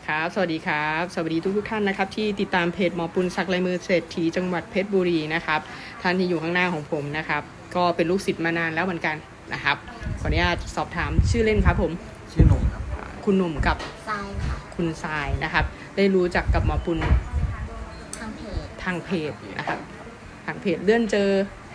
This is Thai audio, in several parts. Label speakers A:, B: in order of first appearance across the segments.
A: ครับสวัสดีครับสวัสดีทุกท่านนะครับที่ติดตามเพจหมอปุณศักดิ์ลายมือเศรษฐีจังหวัดเพชรบุรีนะครับท่านที่อยู่ข้างหน้าของผมนะครับก็เป็นลูกศิษย์มานานแล้วเหมือนกันนะครับขออนุญาตสอบถามชื่อเล่นครับผม
B: ชื่อหนุ่มครับ
A: คุณหนุ่มกับ
C: ทรายค่ะ
A: คุณทรายนะครับได้รู้จักกับหมอปุณ
C: ทางเพจ
A: นะครับทางเพจเลื่อนเจอ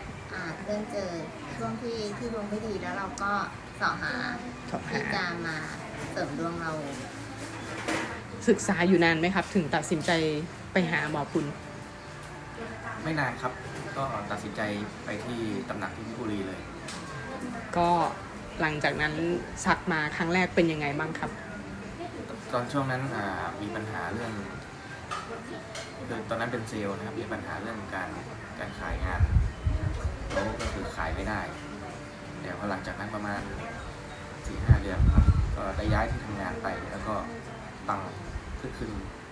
C: ช่วงที่ดวงไม่ดีแล้วเราก็เสาะหาที่จะมาเสริมดวงเรา
A: ศึกษาอยู่นานไหมครับถึงตัดสินใจไปหาหมอปุณ
B: ไม่นานครับก็ตัดสินใจไปที่ตำหนักที่เพชรบุรีเลย
A: ก็หลังจากนั้นสักมาครั้งแรกเป็นยังไงบ้างครับ
B: ตอนช่วงนั้นมีปัญหาเรื่องคือตอนนั้นเป็นเซลล์นะครับมีปัญหาเรื่องการขายงานแล้วก็คือขายไม่ได้เดี๋ยวพอหลังจากนั้นประมาณ 4-5 เดือนครับก็ได้ย้ายที่ทำงานไปแล้วก็ปังขึ้น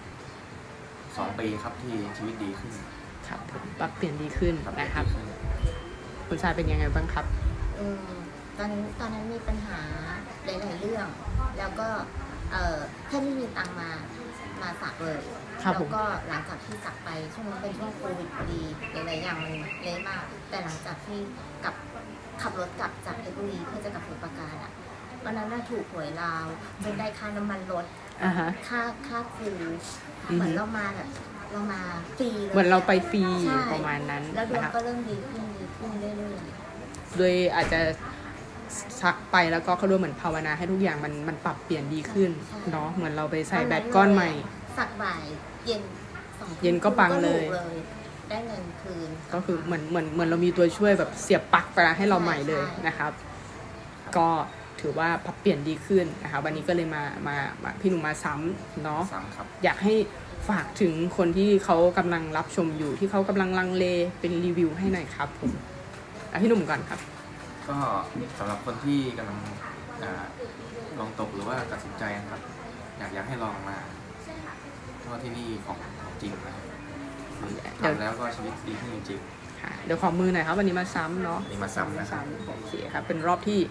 B: 2 ปีครับที่ชีวิตดีขึ้น
A: ครับผมปรับเปลี่ยนดีขึ้นนะครับคุณชายเป็นยังไงบ้างครับ
C: ตอนนั้นมีปัญหาหลายๆเรื่องแล้วก็แค่ไม่มีตังมาสักเลยแล้วก็หลังจากที่สักไปช่วงนั้นเป็นช่วงโควิดพอดีหลายๆอย่างมันเละมากแต่หลังจากที่ขับรถกลับจากเพชรบุรีเพื่อจะกลับสมุทรปราการวันนั้นถูกหวยลาวจนได้ค่าน้ำมันรถค่าครูเหมือนเรามาฟรีเลย
A: เหมือนเราไปฟรีประมาณนั้น
C: แล้วดวงก็เริ่มดีขึ้นเรื่อย
A: ๆโดยอาจจะสักไปแล้วก็เขาด้วยเหมือนภาวนาให้ทุกอย่างมันปรับเปลี่ยนดีขึ้นเนาะเหมือนเราไปใส่แบตก้อนใหม่
C: สักบ่ายเย็น
A: ก็ปังเลย
C: ได้เงินคืน
A: ก็คือเหมือนเรามีตัวช่วยแบบเสียบปลั๊กไปให้เราใหม่เลยนะครับก็ถือว่าปรับเปลี่ยนดีขึ้นนะคะวันนี้ก็เลยมาพี่หนุ่มมาซ้ำเนาะอยากให้ฝากถึงคนที่เขากำลังรับชมอยู่ที่เขากำลังลังเลเป็นรีวิวให้หน่อยครับผมพี่หนุ่มก่อนครับ
B: ก็สำหรับคนที่กำลังลองตกหรือว่าตัดสินใจนะครับอยากให้ลองมาเพราะที่นี่ของจริงนะครับทำแล้วก็ชีวิตดีขึ้นจริง
A: เดี๋ยวขอมือหน่อยครับวันนี้มาซ้ำเนาะ
B: นี่มาซ้ำนะครับ
A: โอเคครับเป็นรอบที่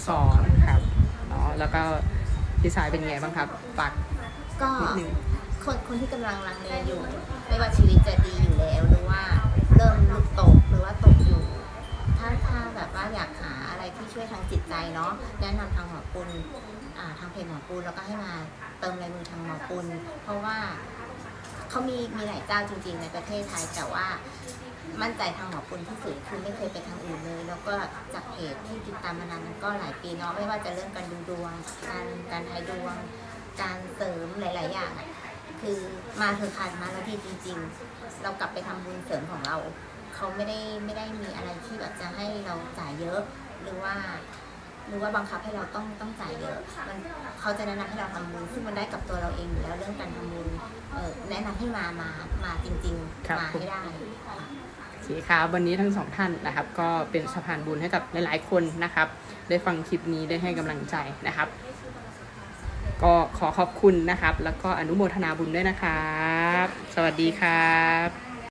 A: 2ครับเนาะแล้วก็พี่สายเป็นไงบ้างครับฝาก
C: นิดนึงคนที่กำลังลังเลอยู่ไม่ว่าชีวิตจะดีอยู่แล้วหรือว่าเริ่มลุกตกหรือว่าตกอยู่ถ้าแบบว่าอยากหาอะไรที่ช่วยทางจิตใจเนาะแนะนำทางหมอปุณทางเพจหมอปุณแล้วก็ให้มาเติมลายมือทางหมอปุณเพราะว่าเขามีหลายเจ้าจริงๆในประเทศไทยแต่ว่ามั่นใจทางหมอปุณที่สุดคือไม่เคยไปทางอื่นเลยแล้วก็จากเพจที่ติดตามมานานมันก็หลายปีเนาะไม่ว่าจะเรื่องการดูดวงการทายดวงการเสริมหลายๆอย่างคือมาเธอคันมาแล้วดีจริงๆเรากลับไปทำบุญเสริมของเราเขาไม่ได้มีอะไรที่แบบจะให้เราจ่ายเยอะหรือว่าบังคับให้เราต้องจ่ายเยอะเขาจะแนะนำให้เราทำบุญซึ่งมันได้กับตัวเราเองอยู่แล้วเรื่องการทำบุญแนะนำให้มาจริงๆมาให้ได้
A: โอเคครับวันนี้ทั้งสองท่านนะครับก็เป็นสะพานบุญให้กับหลายๆคนนะครับได้ฟังคลิปนี้ได้ให้กำลังใจนะครับก็ขอขอบคุณนะครับแล้วก็อนุโมทนาบุญด้วยนะครับสวัสดีครับ